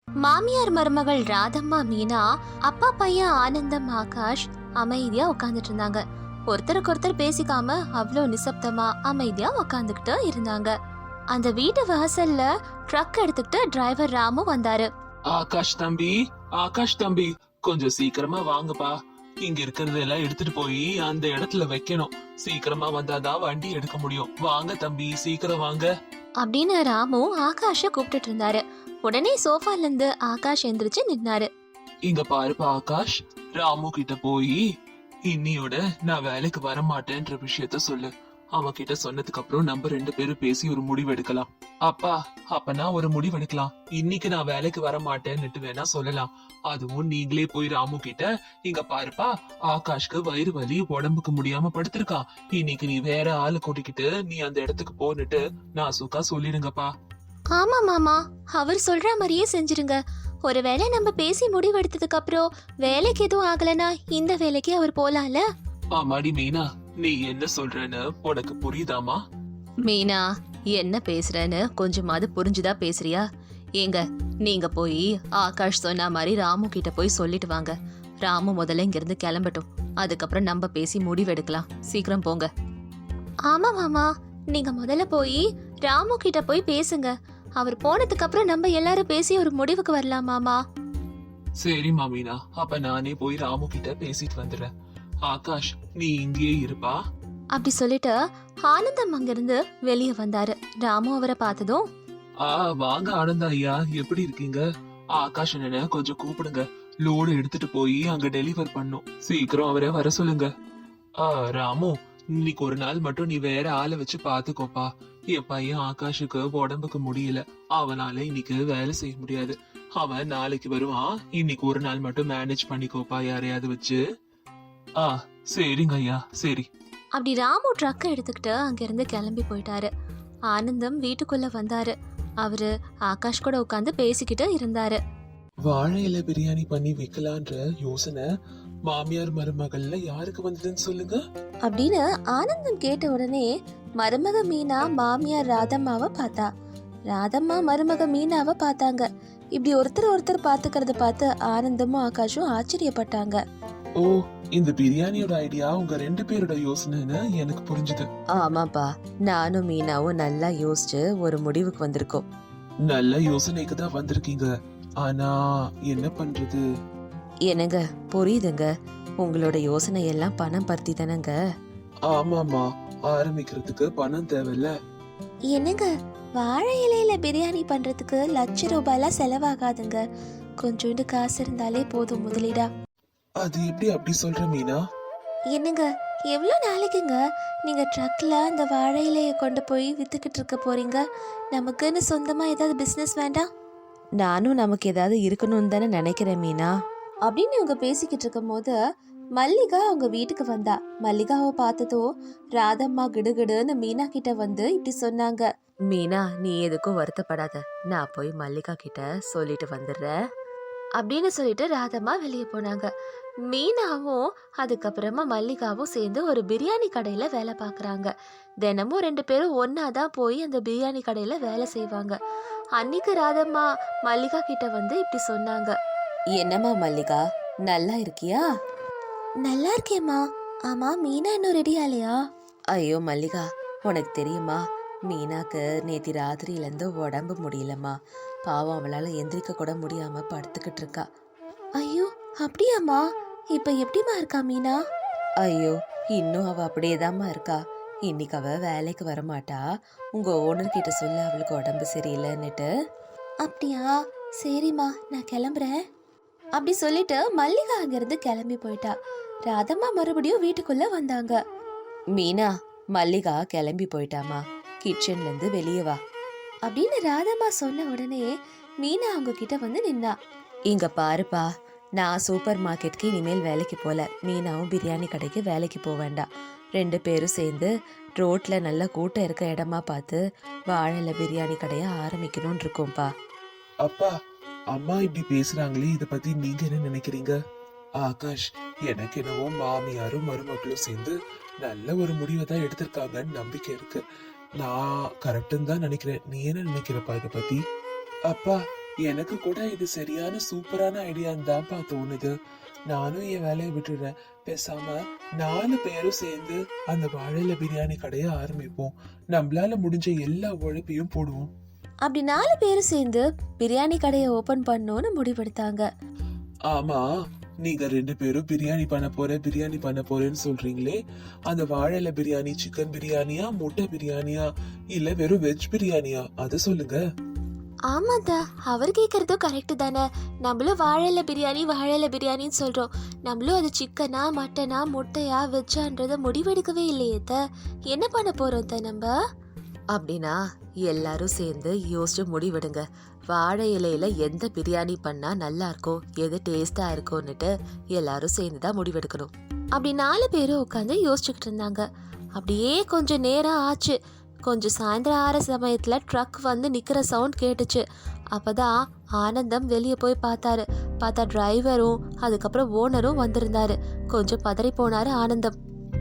மாமியார் மருமகள் ராதம்மா மீனா, அப்பா பையன் ஆனந்தம் ஆகாஷ் அமைதியா உட்காந்துட்டு இருந்தாங்க. ஒருத்தருக்கு ஒருத்தர் பேசிக்காம அவ்வளோ நிசப்தமா அமைதியா உட்காந்துக்கிட்டு இருந்தாங்க. அந்த வீட்டு வாசல்ல ட்ரக் எடுத்துக்கிட்டு டிரைவர் ராமு வந்தாரு. ஆகாஷ் தம்பி கொஞ்சம் சீக்கிரமா வாங்கப்பா. இங்க இருக்கிறதெல்லாம் எடுத்துட்டு போய் அந்த இடத்துல வைக்கணும். சீக்கிரமா வந்தாதான் வண்டி எடுக்க முடியும். வாங்க தம்பி, சீக்கிரம் வாங்க அப்படின்னு ராமு ஆகாஷ கூப்பிட்டுட்டு இருந்தாரு. உடனே சோஃபால இருந்து ஆகாஷ் எந்திரிச்சு நின்னாரு. இங்க பாருப்பா ஆகாஷ், ராமு கிட்ட போய் இன்னியோட நான் வேலைக்கு வர மாட்டேன்ற விஷயத்த சொல்லு. அவன் கிட்ட சொன்னதுக்கு அப்புறம் நம்ம 2 பேரும் பேசி ஒரு முடிவு எடுக்கலாம். அப்பனா ஒரு முடிவு எடுக்கலாம். இன்னைக்கு நான் வேலைக்கு வர மாட்டேன்னுட்டு வேணா சொல்லலாம். அதுவும் நீங்களே போய் ராமு கிட்ட, இங்க பாருப்பா ஆகாஷ்க்கு வயிறு வலி, உடம்புக்கு முடியாம படுத்திருக்கான், இன்னைக்கு நீ வேற ஆளு கூட்டிக்கிட்டு நீ அந்த இடத்துக்கு போன்னுட்டு நான் சுக்கா சொல்லிடுங்கப்பா. ஆமா மாமா, அவர் சொல்ற மாதிரியே செஞ்சிருங்க. ஒருவேளை நம்ம பேசி முடிவெடுத்ததுக்கு அப்புறம் வேலைக்கு எதுவும் ஆகலனா இந்த வேலைக்கு அவர் போலாம்ல. ஆமாடி மீனா, நீ என்ன சொல்றன்னு உனக்கு புரியுதாமா? மீனா, என்ன பேசுறேன்னு கொஞ்சமாவது புரிஞ்சுதா பேசுறியா? ஏங்க, நீங்க போய் ஆகாஷ் சொன்ன மாதிரி ராமு கிட்ட போய் சொல்லிட்டு வாங்க. ராமு முதல்ல இங்க இருந்து கிளம்பட்டும், அதுக்கப்புறம் நம்ம பேசி முடிவெடுக்கலாம். சீக்கிரம் போங்க. ஆமா மாமா, நீங்க முதல்ல போய் ராமு கிட்ட போய் பேசுங்க. அவர் போனதுக்கு அப்புறம் நம்ம எல்லாரும் பேசி ஒரு முடிவுக்கு வரலாம் மாமா. சரி மாமீனா, அப்ப நானே போய் ராமு கிட்ட பேசிட்டு வந்துடுறேன். ஆகாஷ், நீ இங்கேயே இருப்பா. அப்படி சொல்லிட்டு ஆனந்தம் அங்கிருந்து வெளியே வந்தாரு. ராமு அவரை பார்த்ததும், வாங்க ஆனந்தா ஐயா, எப்படி இருக்கீங்க? ஆகாஷ் என்ன கொஞ்சம் கூப்பிடுங்க. லோடு எடுத்துட்டு போய் அங்க டெலிவர் பண்ணும். சீக்கிரம் அவரை வர சொல்லுங்க. ராமு, இன்னைக்கு ஒரு நாள் மட்டும் நீ வேற ஆளை வச்சு பாத்துக்கோப்பா. என் பையன் ஆகாஷுக்கு உடம்புக்கு முடியல, அவனால இன்னைக்கு வேலை செய்ய முடியாது. அவன் நாளைக்கு வருவான். இன்னைக்கு ஒரு நாள் மட்டும் மேனேஜ் பண்ணிக்கோப்பா, யாரையாவது வச்சு. சரிங்க ஐயா, சரி. அப்படி ராமு ட்ரக்கை எடுத்துக்கிட்டு அங்கிருந்து கிளம்பி போயிட்டாரு. ஆனந்தம் வீட்டுக்குள்ள வந்தாரு. அவரு ஆகாஷ் கூட உட்காந்து பேசிக்கிட்டு இருந்தாரு. வாழை இலை பிரியாணி பண்ணி வைக்கலான்ற யோசனை மாமியார் மருமகள்ல யாருக்கு வந்ததுன்னு சொல்லுங்க அப்படின்னு ஆனந்தம் கேட்ட உடனே மருமக மீனா மாமியார் ராதம்மாவை பார்த்தா. ராதம்மா மருமக மீனாவை பார்த்தாங்க. இப்படி ஒருத்தர் பாத்துக்கிறத பார்த்து ஆனந்தமும் ஆகாஷும் ஆச்சரியப்பட்டாங்க. ஓ, இந்த பிரியாணியோட ஐடியா உங்க 2 பேரோட யோசனைன்னு எனக்கு புரிஞ்சுது. ஆமாப்பா, நானும் மீனாவும் நல்லா யோசிச்சு ஒரு முடிவுக்கு வந்திருக்கோம். நல்ல யோசனைக்கு தான் வந்திருக்கீங்க. ஆனா என்ன பண்றது? என்னங்க, புரியுதுங்க. உங்களோட யோசனை எல்லாம் பணம் பத்தி தானங்க. ஆமாமா, ஆரம்பிக்கிறதுக்கு பணம் தேவையில்ல. என்னங்க, வாழை இலையில பிரியாணி பண்றதுக்கு ₹1,00,000 செலவாகாதுங்க. கொஞ்சோண்டு காசு இருந்தாலே போதும் முதலீடா. அது எப்படி அப்படி சொல்ற மீனா? என்னங்க, எவ்வளோ நாளைக்குங்க நீங்க ட்ரக்ல அந்த வாழை இலையை கொண்டு போய் வித்துக்கிட்டு இருக்க போறீங்க? நமக்குன்னு சொந்தமா ஏதாவது பிசினஸ் வேண்டாம்? நானும் நமக்கு ஏதாவது இருக்கணும்னு தானே நினைக்கிறேன் மீனா. அப்படின்னு இவங்க பேசிக்கிட்டு இருக்கும் போது மல்லிகா அவங்க வீட்டுக்கு வந்தா. மல்லிகாவை பார்த்ததும் ராதம்மா கிடுகிடுன்னு மீனா கிட்ட வந்து இப்படி சொன்னாங்க. மீனா, நீ எதுக்கும் வருத்தப்படாத, நான் போய் மல்லிகா கிட்ட சொல்லிட்டு வந்துடுறேன் அப்படின்னு சொல்லிட்டு ராதம்மா வெளியே போனாங்க. மீனாவும் அதுக்கப்புறமா மல்லிகாவும் சேர்ந்து ஒரு பிரியாணி கடையில வேலை பார்க்குறாங்க. தினமும் 2 பேரும் ஒன்னாதான் போய் அந்த பிரியாணி கடையில வேலை செய்வாங்க. அன்னைக்கு ராதம்மா மல்லிகா கிட்ட வந்து இப்படி சொன்னாங்க. என்னம்மா மல்லிகா, நல்லா இருக்கியா? நல்லா இருக்கேம்மா. ஆமா, மீனா இன்னும் ரெடி ஆலையா? ஐயோ மல்லிகா, உனக்கு தெரியுமா, மீனாக்கு நேத்தி ராத்திரியிலேருந்து உடம்பு முடியலம்மா. பாவம், அவளால் எந்திரிக்க கூட முடியாம படுத்துக்கிட்டு இருக்கா. ஐயோ அப்படியாம்மா? இப்ப எப்படிமா இருக்கா மீனா? ஐயோ, இன்னும் அவ அப்படியேதாம்மா இருக்கா. இன்னைக்கு அவ வேலைக்கு வரமாட்டா. உங்க ஓனர் கிட்ட சொல்ல அவளுக்கு உடம்பு சரியில்லைன்னுட்டு. அப்படியா? சரிம்மா, நான் கிளம்புறேன் அப்படி சொல்லிட்டு மல்லிகா அங்கிருந்து கிளம்பி போயிட்டா. ராதம்மா மறுபடியும் வீட்டுக்குள்ள வந்தாங்க. மீனா, மல்லிகா கிளம்பி போயிட்டாமா, கிச்சன்ல இருந்து வெளியே வா அப்படின்னு ராதம்மா சொன்ன உடனே மீனா அவங்க கிட்ட வந்து நின்னா. இங்க பாருப்பா, நான் சூப்பர் மார்க்கெட்டுக்கு இனிமேல் வேலைக்கு போல. மீனாவும் பிரியாணி கடைக்கு வேலைக்கு போக வேண்டாம். 2 பேரும் சேர்ந்து ரோட்ல நல்ல கூட்டம் இருக்க இடமா பார்த்து வாழை பிரியாணி கடையை ஆரம்பிக்கணும்னு இருக்கோம்ப்பா. அப்பா, அம்மா இப்படி பேசுறாங்களே, இத பத்தி நீங்க என்ன நினைக்கிறீங்க? ஆகாஷ், எனக்கு என்னவோ மாமியாரும் மருமகளும் சேர்ந்து நல்ல ஒரு முடிவை தான் எடுத்திருக்காங்கன்னு நம்பிக்கை இருக்கு. நான் கரெக்டுன்னு தான் நினைக்கிறேன். நீ என்ன நினைக்கிறப்பா இத பத்தி? அப்பா, எனக்கு கூட இது சரியான சூப்பரான ஐடியான்னு தான்ப்பா தோணுது. நானும் என் வேலையை விட்டுடுறேன். பேசாம 4 பேரும் சேர்ந்து அந்த வாழையில பிரியாணி கடையை ஆரம்பிப்போம். நம்மளால முடிஞ்ச எல்லா உழைப்பையும் போடுவோம். அப்படி 4 பேரும் சேர்ந்து பிரியாணி கடையை ஓபன் பண்ணோன்னு முடிவெடுத்தாங்க. ஆமா, நீங்க 2 பேரும் பிரியாணி பண்ண போறேன்னு சொல்றீங்களே, அந்த வாழையில பிரியாணி சிக்கன் பிரியாணியா, முட்டை பிரியாணியா, இல்ல வெறும் வெஜ் பிரியாணியா, அத சொல்லுங்க. ஆமாதா, அவர் கேட்கறதும் கரெக்டு தானே. நம்மளும் வாழையில பிரியாணின்னு சொல்றோம். நம்மளும் அது சிக்கனா மட்டனா முட்டையா வெஜ்ஜான்றத முடிவெடுக்கவே இல்லையே. என்ன பண்ண போறோம் நம்ம? அப்படின்னா எல்லாரும் சேர்ந்து யோசிச்சு முடிவெடுங்க. வாழை இலையில எந்த பிரியாணி பண்ணா நல்லா இருக்கும், எது டேஸ்டா இருக்கும்னுட்டு எல்லாரும் சேர்ந்து தான் முடிவெடுக்கணும். அப்படி 4 பேரும் உட்காந்து யோசிச்சுக்கிட்டு இருந்தாங்க. அப்படியே கொஞ்சம் நேரம் ஆச்சு. கொஞ்சம் சாயந்தரம் ஆற சமயத்துல ட்ரக் வந்து நிக்கிற சவுண்ட் கேட்டுச்சு. அப்பதான் ஆனந்தம் வெளியே போய் பார்த்தா டிரைவரும் அதுக்கப்புறம் ஓனரும் வந்திருந்தாரு. கொஞ்சம் பதறி போனாரு ஆனந்தம்.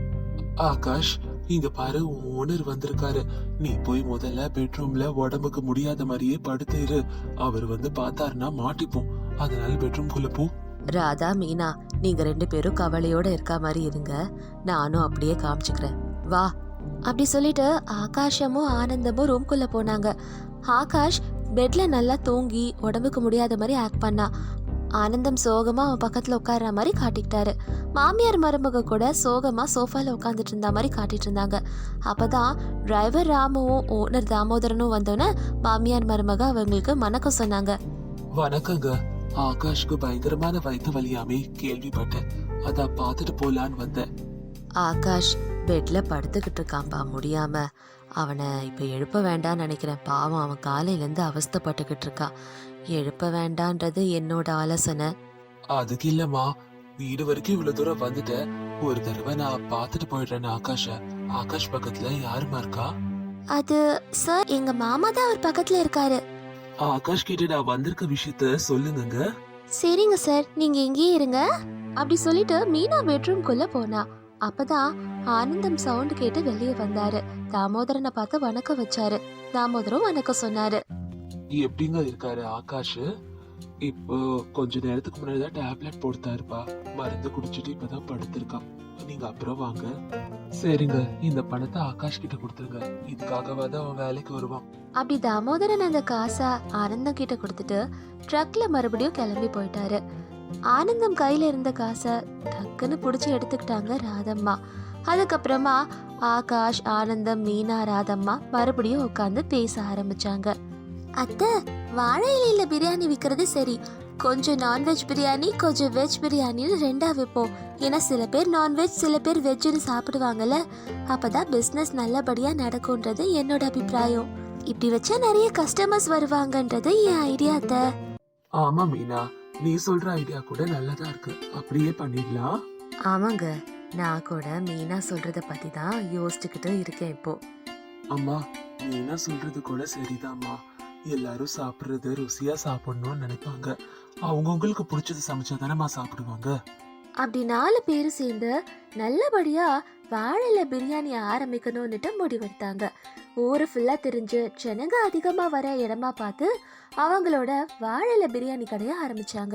ஆகாஷ், இங்க பாரு, ஓனர் வந்திருக்காரு. நீ போய் முதல்ல பெட்ரூம்ல உடம்புக்கு முடியாத மாதிரியே படுத்துரு. அவர் வந்து பார்த்தாருன்னா மாட்டிப்போம். அதனால பெட்ரூம்குள்ள போ. ராதா, மீனா, நீங்க 2 பேரும் கவலையோட இருக்க மாதிரி இருங்க. நானும் அப்படியே காமிச்சுக்கிறேன், வா. அப்படி சொல்லிட்டு ஆகாஷமும் ஆனந்தமும் ரூம்குள்ள போனாங்க. ஆகாஷ் பெட்ல நல்லா தூங்கி உடம்புக்கு முடியாத மாதிரி ஆக்ட் பண்ணா. ஆனந்தம் சோகமா அவன் பக்கத்துல உட்கார்ற மாதிரி காட்டிக்கிட்டாரு. மாமியார் மருமக கூட சோகமா சோஃபால உட்காந்துட்டு இருந்த மாதிரி காட்டிட்டு இருந்தாங்க. அப்பதான் டிரைவர் ராமுவும் ஓனர் தாமோதரனும் வந்தோன்னே மாமியார் மருமக அவங்களுக்கு வணக்கம் சொன்னாங்க. வணக்கங்க. ஆகாஷ்க்கு பயங்கரமான வயிற்று வலியாமே கேள்விப்பட்டேன். அதான் பார்த்துட்டு போலான்னு வந்தேன். ஆகாஷ் பெட்ல படுத்துக்கிட்டு இருக்கான்பா, முடியாம. அவனை இப்ப எழுப்ப வேண்டாம்னு நினைக்கிறேன். பாவம், அவன் காலையில இருந்து அவஸ்தைப்பட்டுக்கிட்டு இருக்கான். எழுப்ப வேண்டான்றது என்னோட ஆலோசனை. அதுக்கு இல்லம்மா, வீடு வரைக்கும் இவ்வளவு தூரம் வந்துட்டேன். ஒரு தடவை நான் பார்த்துட்டு போயிடுறேன் ஆகாஷ. ஆகாஷ் பக்கத்துல யாருமா இருக்கா? அது சார், எங்க மாமா தான் அவர் பக்கத்துல இருக்காரு. ஆகாஷ் கிட்ட நான் வந்திருக்க விஷயத்த சொல்லுங்க. சரிங்க சார், நீங்க இங்கேயே இருங்க. அப்படி சொல்லிட்டு மீனா பெட்ரூம்குள்ள போனா. அப்பதான் ஆனந்தம் சவுண்ட் கேட்டு வெளியே வந்தாரு. தாமோதரனை பார்த்து வணக்கம் வச்சாரு. தாமோதரம் வணக்கம் சொன்னாரு. எப்படிங்க இருக்காரு ஆகாஷ்? இப்போ கொஞ்ச நேரத்துக்கு முன்னாடிதான் டேப்லெட் போடுத்தாருப்பா. மருந்து குடிச்சிட்டு இப்பதான் படுத்திருக்கான். நீங்க அப்புறம் வாங்க. சரிங்க, இந்த பணத்தை ஆகாஷ் கிட்ட கொடுத்துருங்க. இதுக்காகவாத அவன் வேலைக்கு வருவான். அப்படி தாமோதரன் அந்த காசை ஆனந்தம் கிட்ட கொடுத்துட்டு ட்ரக்ல மறுபடியும் கிளம்பி போயிட்டாரு. ஆனந்தம் கையில இருந்த காசை டக்குன்னு புடிச்சு எடுத்துக்கிட்டாங்க ராதம்மா. அதுக்கப்புறமா ஆகாஷ், ஆனந்தம், மீனா, ராதம்மா மறுபடியும் உட்காந்து பேச ஆரம்பிச்சாங்க. அத்தை, வாழை இலையில பிரியாணி விற்கிறது சரி, கொஞ்சம் நான்வெஜ் பிரியாணி கொஞ்சம் வெஜ் பிரியாணின்னு 2ஆ வைப்போம். ஏன்னா சில பேர் நான்வெஜ் சில பேர் வெஜ்ஜுன்னு சாப்பிடுவாங்கல்ல. அப்பதான் பிஸ்னஸ் நல்லபடியா நடக்கும்ன்றது என்னோட அபிப்பிராயம். இப்படி வச்சா நிறைய கஸ்டமர்ஸ் வருவாங்கன்றது என் ஐடியா. அத்தை, ஆமா மீனா, நீ சொல்ற ஐடியா கூட நல்லதா இருக்கு. அப்படியே பண்ணிடலாம். ஆமாங்க, நான் கூட மீனா சொல்றத பத்தி தான் யோசிச்சுக்கிட்டு இருக்கேன் இப்போ. அம்மா, மீனா சொல்றது கூட சரிதாம்மா. எல்லாரும் சாப்பிடுறது ருசியா சாப்பிடணும்னு நினைப்பாங்க. அவங்கவுங்களுக்கு பிடிச்சது சமைச்சாதானம்மா சாப்பிடுவாங்க. அப்படி 4 பேரும் சேர்ந்து நல்லபடியா வாழையில பிரியாணி ஆரம்பிக்கணும்னுட்டு முடிவெடுத்தாங்க. ஊரு ஃபுல்லா தெரிஞ்சு ஜனங்க அதிகமா வர இடமா பார்த்து அவங்களோட வாழையில பிரியாணி கடையை ஆரம்பிச்சாங்க.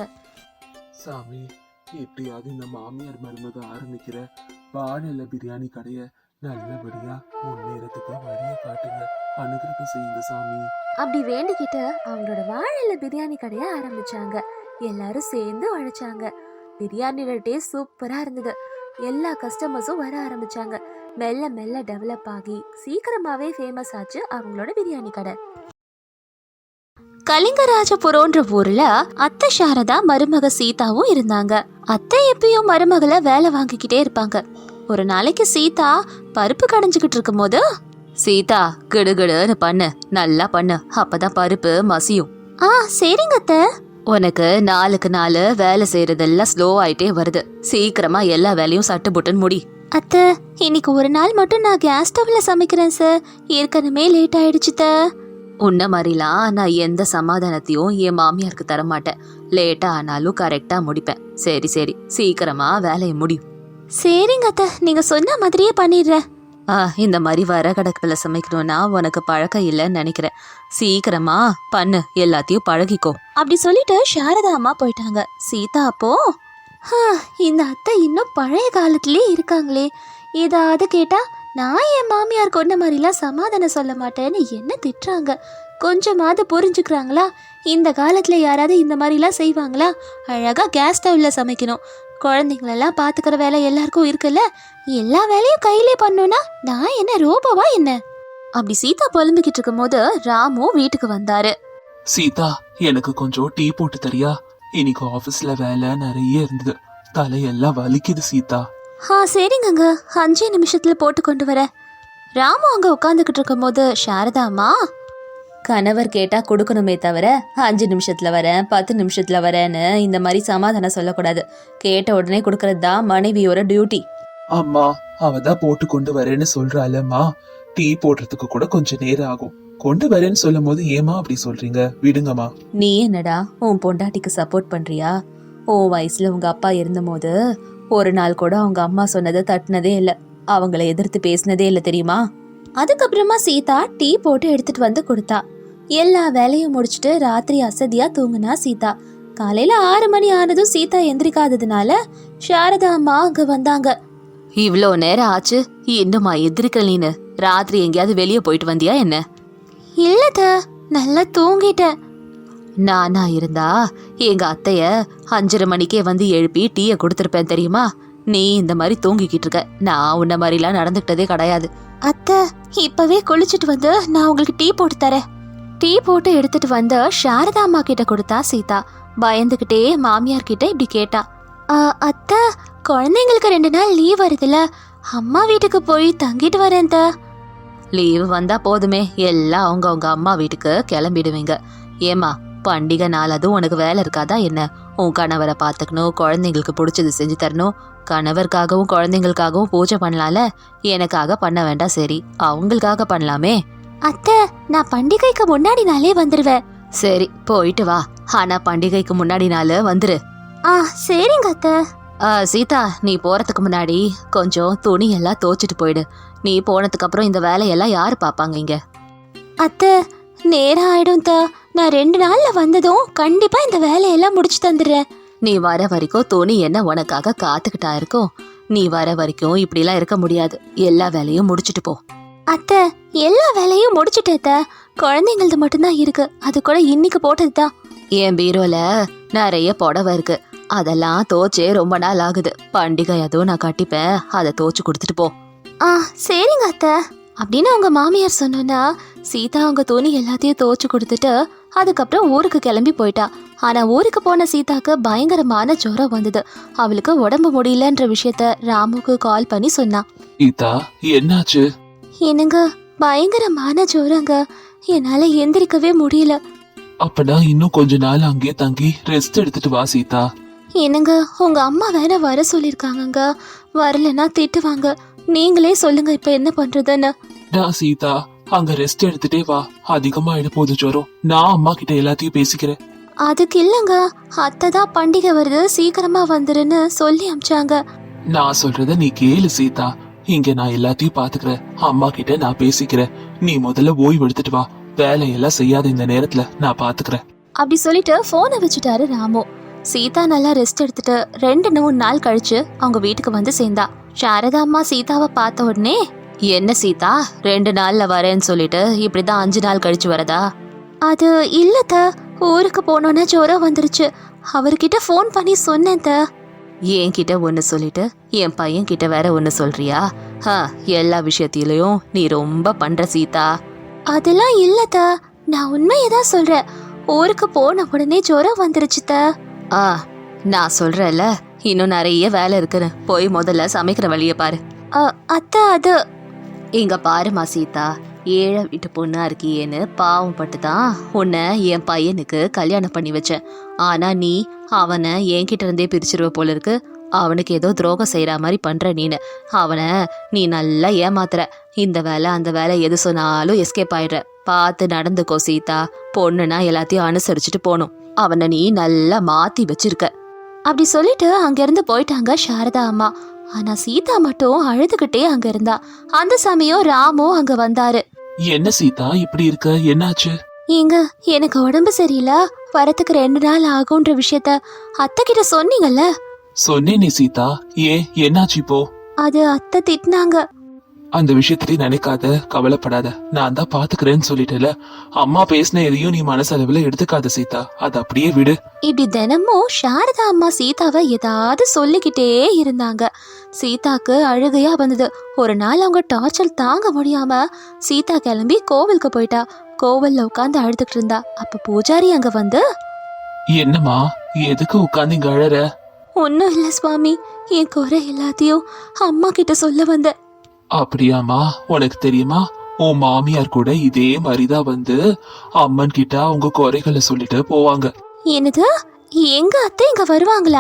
சாமி, எப்படியாவது இந்த மாமியார் மருமக ஆரம்பிக்கிற வாழையில பிரியாணி கடைய நல்லபடியா முன்னேறதுக்கு வழிய காட்டுங்க. அனுகிரகம் செய்யுங்க சாமி. அப்படி வேண்டிக்கிட்டு அவங்களோட வாழையில பிரியாணி கடையை ஆரம்பிச்சாங்க. எல்லாரும் சேர்ந்து உழைச்சாங்க. பிரியாணியோட டேஸ்ட் சூப்பரா இருந்தது. எல்லா கஸ்டமர்ஸும் வர ஆரம்பிச்சாங்க. மெல்ல மெல்ல டெவலப் ஆகி சீக்கிரமாவே ஃபேமஸ் ஆச்சு அவங்களோட பிரியாணி கடை. கலிங்கராஜபுரம்ன்ற ஊர்ல அத்தை சாரதா மருமக சீதாவும் இருந்தாங்க. அத்தை எப்பயும் மருமகளை வேலை வாங்கிக்கிட்டே இருப்பாங்க. ஒரு நாளைக்கு சீதா பருப்பு கடைஞ்சுக்கிட்டு இருக்கும் போது, சீதா கிடுகிடுன்னு பண்ணு, நல்லா பண்ணு, அப்பதான் பருப்பு மசியும். சரிங்க அத்தை. உனக்கு நாளுக்கு நாள் வேலை செய்யறதெல்லாம் ஸ்லோ ஆயிட்டே வருது. சீக்கிரமா எல்லா வேலையும் சட்டு புட்டுன்னு முடி. அத்தை, இன்னைக்கு ஒரு நாள் மட்டும் நான் கேஸ் ஸ்டவ்ல சமைக்கிறேன் சார். ஏற்கனவே லேட் ஆயிடுச்சு. உன்ன மாதிரிலாம் நான் எந்த சமாதானத்தையும் என் மாமியாருக்கு தர மாட்டேன். லேட்டா ஆனாலும் கரெக்டா முடிப்பேன். சரி சரி, சீக்கிரமா வேலையை முடியும். சரிங்க அத்தை, நீங்க சொன்ன மாதிரியே பண்ணிடுறேன். இந்த மாதிரி வரகடக்கில் சமைக்கணும்னா உனக்கு பழக்கம் இல்லைன்னு நினைக்கிறேன். சீக்கிரமா பண்ணு, எல்லாத்தையும் பழகிக்கோ அப்படி சொல்லிட்டு சாரதா அம்மா போயிட்டாங்க. சீதா அப்போ இந்த அத்தை இன்னும் பழைய காலத்திலே இருக்காங்களே, ஏதாவது கேட்டா நான் என் மாமியார் கொண்ட மாதிரிலாம் சமாதானம் சொல்ல மாட்டேன்னு என்ன திட்டுறாங்க. கொஞ்சமாவது புரிஞ்சுக்கிறாங்களா? இந்த காலத்தில் யாராவது இந்த மாதிரிலாம் செய்வாங்களா? அழகாக கேஸ் ஸ்டவ்வில் சமைக்கணும், குழந்தைங்களெல்லாம் பார்த்துக்கிற வேலை எல்லாருக்கும் இருக்குல்ல, எல்லா வேலையும் கையிலே பண்ணோன்னா நான் என்ன ரோபோவா என்ன? அப்படி சீதா புலம்பிக்கிட்டு இருக்கும் போது ராமு வீட்டுக்கு வந்தாரு. சீதா, எனக்கு கொஞ்சம் டீ போட்டு தரியா? இன்னைக்கு ஆபீஸ்ல வேலை நிறைய இருந்தது, தலையெல்லாம் வலிக்குது சீதா. சரிங்கங்க, 5 நிமிஷத்துல போட்டு கொண்டு வர. ராமு அங்க உட்காந்துக்கிட்டு இருக்கும் போது சாரதா அம்மா, கணவர் கேட்டா கொடுக்கணுமே தவிர 5 நிமிஷத்துல வரேன் 10 நிமிஷத்துல வரேன்னு இந்த மாதிரி சமாதானம் சொல்லக்கூடாது. கேட்ட உடனே கொடுக்கறது தான் மனைவியோட டியூட்டி. அம்மா, அவதான் போட்டு கொண்டு வரேன்னு சொல்றாளம்மா. டீ போடுறதுக்கு கூட கொஞ்சம் நேரம் ஆகும். கொண்டு வரேன்னு சொல்லும் போது ஏமா அப்படி சொல்றீங்க? விடுங்கம்மா. நீ என்னடா உன் பொண்டாட்டிக்கு சப்போர்ட் பண்றியா? உன் வயசுல உங்க அப்பா இருந்தபோது ஒரு நாள் கூட அவங்க அம்மா சொன்னதை தட்டினதே இல்ல, அவங்கள எதிர்த்து பேசினதே இல்ல தெரியுமா? அதுக்கப்புறமா சீதா டீ போட்டு எடுத்துட்டு வந்து கொடுத்தா. எல்லா வேலையும் முடிச்சுட்டு ராத்திரி அசதியா தூங்குனா சீதா. காலையில 6 மணி ஆனதும் சீதா எந்திரிக்காததுனால சாரதா அம்மா அங்க வந்தாங்க. இவ்ளோ நேரம் ஆச்சு, இன்னுமா எந்திரிக்கல? நீனு ராத்திரி எங்கேயாவது வெளியே போயிட்டு வந்தியா என்ன? இல்லத, நல்லா தூங்கிட்டேன். நானா இருந்தா எங்க அத்தைய 5:30 மணிக்கே வந்து எழுப்பி டீயை கொடுத்துருப்பேன் தெரியுமா? நீ இந்த மாதிரி தூங்கிக்கிட்டு இருக்க, நான் உன்ன மாதிரிலாம் நடந்துக்கிட்டதே கிடையாது. அத்தை, இப்பவே குளிச்சுட்டு வந்து நான் உங்களுக்கு டீ போட்டு தரேன். டீ போட்டு எடுத்துட்டு வந்து சாரதா அம்மா கிட்ட கொடுத்தா சீதா. பயந்துகிட்டே மாமியார் கிட்ட இப்படி கேட்டா, அத்தை, குழந்தைங்களுக்கு 2 நாள் லீவ் வருதுல, அம்மா வீட்டுக்கு போய் தங்கிட்டு வரேன். லீவு வந்தா போதுமே, எல்லாம் அவங்க அம்மா வீட்டுக்கு கிளம்பிடுவீங்க. ஏமா, பண்டிகை நாள் அதுவும் உனக்கு வேலை இருக்காதா என்ன? உன் கணவரை பார்த்துக்கணும், குழந்தைங்களுக்கு பிடிச்சது செஞ்சு தரணும். கணவருக்காகவும் குழந்தைங்களுக்காகவும் பூஜை பண்ணலாம்ல, எனக்காக பண்ண வேண்டாம், சரி அவங்களுக்காக பண்ணலாமே. அத்தை, நான் பண்டிகைக்கு முன்னாடி நாளே வந்துருவேன். சரி, போயிட்டு வா, ஆனா பண்டிகைக்கு முன்னாடி நாள் வந்துரு. சரிங்க அத்தை. சீதா, நீ போறதுக்கு முன்னாடி கொஞ்சம் துணி எல்லாம் துவைச்சிட்டு போயிடு. நீ போனதுக்கு அப்புறம் இந்த வேலையெல்லாம் யாரு பாப்பாங்க இங்க? அத்தை, நேரம் ஆயிடும். நான் 2 நாள்ல வந்ததும் கண்டிப்பா இந்த வேலையெல்லாம் முடிச்சு தந்துடுறேன். நீ வர வரைக்கும் துணி என்ன உனக்காக காத்துக்கிட்டா இருக்கும்? நீ வர வரைக்கும் இப்படிலாம் இருக்க முடியாது, எல்லா வேலையும் முடிச்சிட்டு போ. அத்தை, எல்லா வேலையும் முடிச்சுட்டேத்த, குழந்தைங்களது மட்டும்தான் இருக்கு, அது கூட இன்னைக்கு போட்டதுதான். என் பீரோல நிறைய புடவை இருக்கு, அதெல்லாம் தோச்சே ரொம்ப நாள் ஆகுது. பண்டிகை அதுவும் நான் கட்டிப்பேன், அதை தோச்சு கொடுத்துட்டு போ. சரிங்க அத்தை அப்படின்னு அவங்க மாமியார் சொன்னா சீதா அவங்க துணி எல்லாத்தையும் தோச்சு கொடுத்துட்டு அதுக்கப்புறம் ஊருக்கு கிளம்பி போயிட்டா. ஆனா ஊருக்கு போன சீதாக்கு பயங்கரமான ஜுரம் வந்தது. அவளுக்கு உடம்பு முடியலன்ற விஷயத்த ராமுக்கு கால் பண்ணி சொன்னா. சீதா, என்னாச்சு? என்னங்க, பயங்கரமான ஜுரங்க, என்னால எந்திரிக்கவே முடியல. அப்பனா இன்னும் கொஞ்ச நாள் அங்கே தங்கி ரெஸ்ட் எடுத்துட்டு வா சீதா. என்னங்க, உங்க அம்மா வேற வர சொல்லிருக்காங்க, வரலன்னா திட்டுவாங்க. நீங்களே சொல்லுங்க இப்ப என்ன பண்றதுன்னு. சீதா, அங்க ரெஸ்ட் எடுத்துட்டே வா, அதிகமா போது ஜுரம். நான் அம்மா கிட்ட எல்லாத்தையும் பேசிக்கிறேன். அதுக்கு இல்லங்க, அத்தை தான் பண்டிகை வருது சீக்கிரமா வந்துருன்னு சொல்லி அமிச்சாங்க. நான் சொல்றத நீ கேளு சீதா, இங்க நான் எல்லாத்தையும் பாத்துக்கிறேன், அம்மா கிட்ட நான் பேசிக்கிறேன். நீ முதல்ல ஓய்வு எடுத்துட்டு வா, வேலையெல்லாம் செய்யாத இந்த நேரத்துல நான் பாத்துக்கிறேன். அப்படி சொல்லிட்டு போனை வச்சுட்டாரு ராமு. சீதா நல்லா ரெஸ்ட் எடுத்துட்டு 2-3 நாள் கழிச்சு அவங்க வீட்டுக்கு வந்து சேர்ந்தா. சாரதா அம்மா சீதாவை பார்த்த உடனே, என்ன சீதா 2 நாள்ல வரேன்னு சொல்லிட்டு இப்படிதான் 5 நாள் கழிச்சு வரதா? அது இல்லத்த, ஊருக்கு போனோன்னா ஜுரம் வந்துருச்சு, அவர்கிட்ட போன் பண்ணி சொன்னேன். என்கிட்ட ஒன்னு சொல்லிட்டு என் பையன் கிட்ட வேற ஒன்னு சொல்றியா? எல்லா விஷயத்திலயும் நீ ரொம்ப பண்ற சீதா. அதெல்லாம் இல்லத்த, நான் உண்மையதான் சொல்றேன். ஊருக்கு போன உடனே ஜுரம் வந்துருச்சுத்த. நான் சொல்றேன்ல, இன்னும் நிறைய வேலை இருக்குன்னு, போய் முதல்ல சமைக்கிற வழிய பாரு. அத்தை, அது இங்க பாருமா சீதா, ஏழை வீட்டு பொண்ணா இருக்கியேன்னு பாவம் பட்டுதான் உன்னை என் பையனுக்கு கல்யாணம் பண்ணி வச்சேன். ஆனா நீ அவனை என்கிட்ட இருந்தே பிரிச்சிருவ போல இருக்கு. அவனுக்கு ஏதோ துரோகம் செய்யற மாதிரி பண்ற நீனு. அவனை நீ நல்லா ஏமாத்துற. இந்த வேலை அந்த வேலை எது சொன்னாலும் எஸ்கேப் ஆயிடுற. பார்த்து நடந்துக்கோ சீதா, பொண்ணுனா எல்லாத்தையும் அனுசரிச்சுட்டு போகணும். அவனை நீ நல்லா மாத்தி வச்சிருக்க. அப்படி சொல்லிட்டு அங்கிருந்து போயிட்டாங்க சாரதா அம்மா. ஆனா சீதா மட்டும் அழுதுகிட்டே அங்க இருந்தா. அந்த சமயம் ராமு அங்க வந்தாரு. என்ன சீதா இப்படி இருக்க, என்னாச்சு? ஏங்க, எனக்கு உடம்பு சரியில்லை, வரத்துக்கு 2 நாள் ஆகுன்ற விஷயத்த அத்தை கிட்ட சொன்னீங்கல்ல? சொன்னேனே சீதா, ஏன் என்னாச்சு இப்போ? அது அத்தை திட்டினாங்க. அந்த விஷயத்தை நினைக்காத, கவலைப்படாத, நான் தான் பாத்துக்கிறேன்னு சொல்லிட்டேல. அம்மா பேசின எதையும் நீ மனசளவுல எடுத்துக்காத சீதா, அது அப்படியே விடு. இப்படி தினமும் சாரதா அம்மா சீதாவை ஏதாவது சொல்லிக்கிட்டே இருந்தாங்க. சீதாக்கு அழுகையா வந்தது. ஒரு நாள் அவங்க டார்ச்சர் தாங்க முடியாம சீதா கிளம்பி கோவிலுக்கு போயிட்டா. கோவில்ல உட்காந்து அழுதுகிட்டு இருந்தா. அப்ப பூஜாரி அங்க வந்து, என்னம்மா, எதுக்கு உட்காந்து இங்க அழற? ஒன்னும் இல்ல சுவாமி, என் குறை எல்லாத்தையும் அம்மா கிட்ட சொல்ல வந்த. அப்படியாமா, உனக்கு தெரியுமா, உன் மாமியார் கூட இதே மாதிரிதான் வந்து அம்மன் கிட்ட அவங்க குறைகளை சொல்லிட்டு போவாங்க. என்னது, எங்க அத்தை இங்க வருவாங்களா?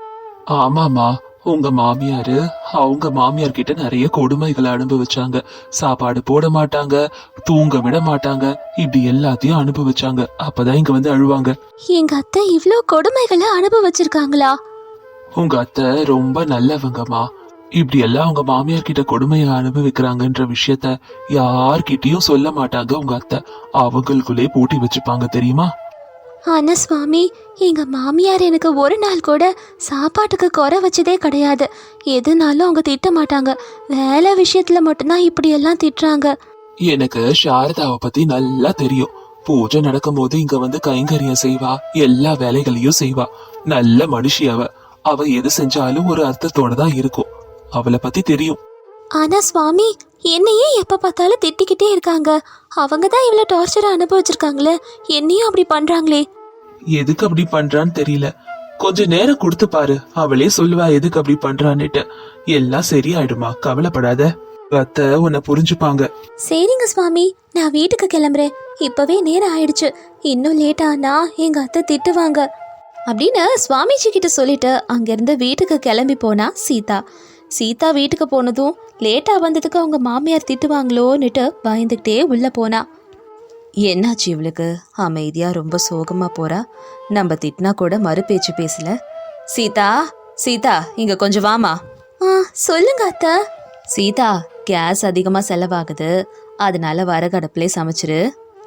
ஆமாமா, உங்க மாமியாரு அவங்க மாமியார் கிட்ட நிறைய கொடுமைகளை அனுபவிச்சாங்க. சாப்பாடு போட மாட்டாங்க, தூங்க விட மாட்டாங்க, இப்படி எல்லாத்தையும் அனுபவிச்சாங்க. அப்பதான் இங்க வந்து அழுவாங்க. எங்க அத்தை இவ்ளோ கொடுமைகளை அனுபவிச்சிருக்காங்களா? உங்க அத்தை ரொம்ப நல்லவங்கம்மா. இப்படி எல்லாம் உங்க மாமியார் கிட்ட கொடுமையை அனுபவிக்கிறாங்கன்ற விஷயத்த யார்கிட்டயும் சொல்ல மாட்டாங்க உங்க அத்தை. அவங்களுக்குள்ளே போட்டி வச்சுப்பாங்க, தெரியுமா? ஆனா சுவாமி, எங்க மாமியார் எனக்கு ஒரு நாள் கூட சாப்பாட்டுக்கு குறை வச்சதே கிடையாது. எதுனாலும் அவங்க திட்ட மாட்டாங்க. வேலை விஷயத்துல மட்டும்தான் இப்படி எல்லாம் திட்டுறாங்க. எனக்கு சாரதாவை பத்தி நல்லா தெரியும். பூஜை நடக்கும் போது இங்க வந்து கைங்கரியம் செய்வா, எல்லா வேலைகளையும் செய்வா. நல்ல மனுஷி அவ. அவ எது செஞ்சாலும் ஒரு அர்த்தத்தோட தான் இருக்கும். அவளை பத்தி தெரியும். ஆனா சுவாமி, என்னையே எப்ப பார்த்தாலும் திட்டிக்கிட்டே இருக்காங்க. அவங்க தான் இவ்வளவு டார்ச்சரை அனுபவிச்சிருக்காங்களே, என்னையும் அப்படி பண்றாங்களே. எதுக்கு அப்படி பண்றான்னு தெரியல. கொஞ்ச நேரம் கொடுத்து பாரு, அவளே சொல்லுவா எதுக்கு அப்படி பண்றான்னுட்டு. எல்லாம் சரியாயிடுமா, கவலைப்படாத. அத்தை உன்னை புரிஞ்சுப்பாங்க. சரிங்க சுவாமி, நான் வீட்டுக்கு கிளம்புறேன். இப்பவே நேரம் ஆயிடுச்சு. இன்னும் லேட் ஆனா எங்க அத்தை திட்டுவாங்க அப்படின்னு சுவாமிஜி கிட்ட சொல்லிட்டு அங்கிருந்து வீட்டுக்கு கிளம்பி போனா சீதா. சீதா வீட்டுக்கு போனதும் லேட்டா வந்ததுக்கு அவங்க மாமியார் திட்டுவாங்களோன்னுட்டு பயந்துக்கிட்டே உள்ள போனா. என்னாச்சு இவளுக்கு, அமைதியா ரொம்ப சோகமா போறா. நம்ம திட்டினா கூட மறு பேச்சு பேசல. சீதா, சீதா, இங்க கொஞ்சம் வாமா. சொல்லுங்க அத்தை. சீதா, கேஸ் அதிகமா செலவாகுது, அதனால வரகடப்புலே சமைச்சிரு.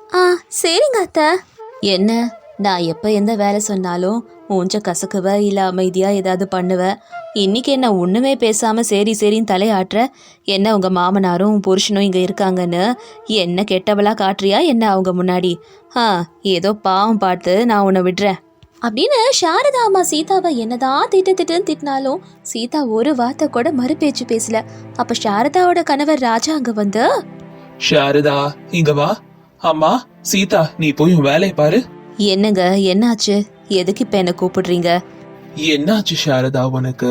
சரிங்க அத்தை. என்ன, நான் எப்ப எந்த வேலை சொன்னாலும் மூஞ்ச கசக்குவ, இல்ல அமைதியா ஏதாவது பண்ணுவ. இன்னைக்கு என்ன ஒண்ணுமே பேசாம சரி சரின்னு தலையாட்டுற? என்ன உங்க மாமனாரும் புருஷனும் இங்க இருக்காங்கன்னு என்ன கெட்டவளா காட்டுறியா என்ன அவங்க முன்னாடி? ஏதோ பாவம் பார்த்து நான் உன்னை விடுறேன் அப்படின்னு சாரதா அம்மா சீதாவை என்னதான் திட்டுன்னு திட்டினாலும் சீதா ஒரு வார்த்தை கூட மறு பேச்சு பேசல. அப்ப சாரதாவோட கணவர் ராஜா அங்க வந்து, சாரதா இங்க வா. அம்மா சீதா, நீ போய் உன் வேலையை பாரு. என்னங்க, என்னாச்சு? எதுக்கு இப்ப என்ன கூப்பிடுறீங்க? என்னாச்சு சாரதா உனக்கு?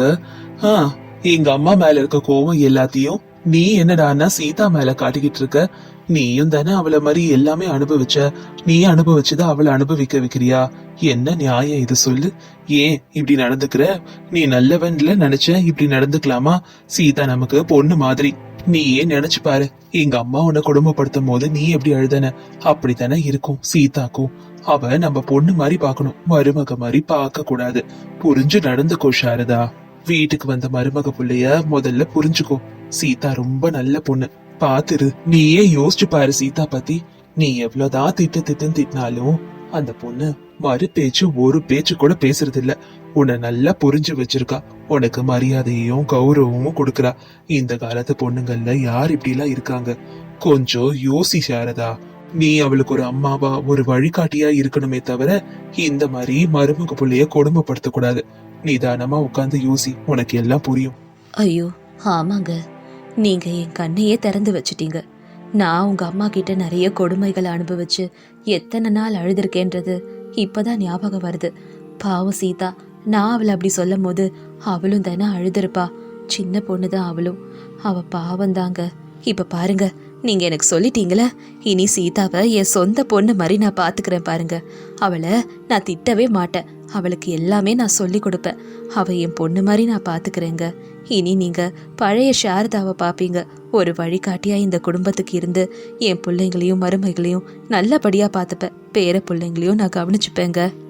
எங்க அம்மா மேல இருக்க கோவம் எல்லாத்தையும் நீ என்னடான்னா சீதா மேல காட்டிக்கிட்டு இருக்க. நீயும் தானே அவளை மாதிரி எல்லாமே அனுபவிச்ச. நீ அனுபவிச்சத அவளை அனுபவிக்க வைக்கிறியா? என்ன நியாயம் இது சொல்லு? ஏன் இப்படி நடந்துக்கிற? நீ நல்லவன்ல நினைச்ச இப்படி நடந்துக்கலாமா? சீதா நமக்கு பொண்ணு மாதிரி. நீ ஏன் நினைச்சு பாரு, எங்க அம்மா உன்னை கொடுமைப்படுத்தும் போது நீ எப்படி அழுதன அப்படித்தானே இருக்கும் சீதாக்கும். அவ நம்ம பொண்ணு மாதிரி பாக்கணும், மருமக மாதிரி பார்க்க கூடாது. புரிஞ்சு நடந்துக்கோ சாரதா. வீட்டுக்கு வந்த மருமக புள்ளைய முதல்ல புரிஞ்சுக்கோ. சீதா ரொம்ப நல்ல பொண்ணு, பாத்துரு. நீயே யோசிச்சு பாரு சீதா பத்தி. நீ எவ்வளவுதான் திட்டுன்னு திட்டினாலும் அந்த பொண்ணு மறு பேச்சு ஒரு பேச்சு கூட பேசுறது இல்ல. உன்னை நல்லா புரிஞ்சு வச்சிருக்கா. உனக்கு மரியாதையும் கௌரவமும் கொடுக்கறா. இந்த காலத்து பொண்ணுங்கள்ல யார் இப்படி எல்லாம் இருக்காங்க? கொஞ்சம் யோசி சாரதா. நீ அவளுக்கு ஒரு அம்மாவா, ஒரு வழிகாட்டியா இருக்கணுமே தவிர இந்த மாதிரி மருமக புள்ளைய கொடுமைப்படுத்த கூடாது. நிதானமா உட்கார்ந்து யோசி, உனக்கு எல்லாம் புரியும். ஐயோ ஆமாங்க, நீங்க என் கண்ணையே திறந்து வச்சிட்டீங்க. நான் உங்க அம்மா கிட்ட நிறைய கொடுமைகளை அனுபவிச்சு எத்தனை நாள் அழுதுருக்கேன்றது இப்பதான் ஞாபகம் வருது. பாவம் சீதா, நான் அவளை அப்படி சொல்லும் போது அவளும் தானே அழுதுருப்பா. சின்ன பொண்ணுதான் அவளும். அவ பாவம் தாங்க. இப்ப பாருங்க, நீங்க எனக்கு சொல்லிட்டீங்களே, இனி சீதாவை என் சொந்த பொண்ணு மாதிரி நான் பாத்துக்கிறேன் பாருங்க. அவளை நான் திட்டவே மாட்டேன். அவளுக்கு எல்லாமே நான் சொல்லி கொடுப்பேன். அவ என் பொண்ணு மாதிரி நான் பாத்துக்கிறேங்க. இனி நீங்க பழைய சாரதாவை பாப்பீங்க. ஒரு வழிகாட்டியா இந்த குடும்பத்துக்கு இருந்து என் பிள்ளைங்களையும் மருமைகளையும் நல்லபடியா பாத்துப்பேன். பேர பிள்ளைங்களையும் நான் கவனிச்சுப்பேங்க.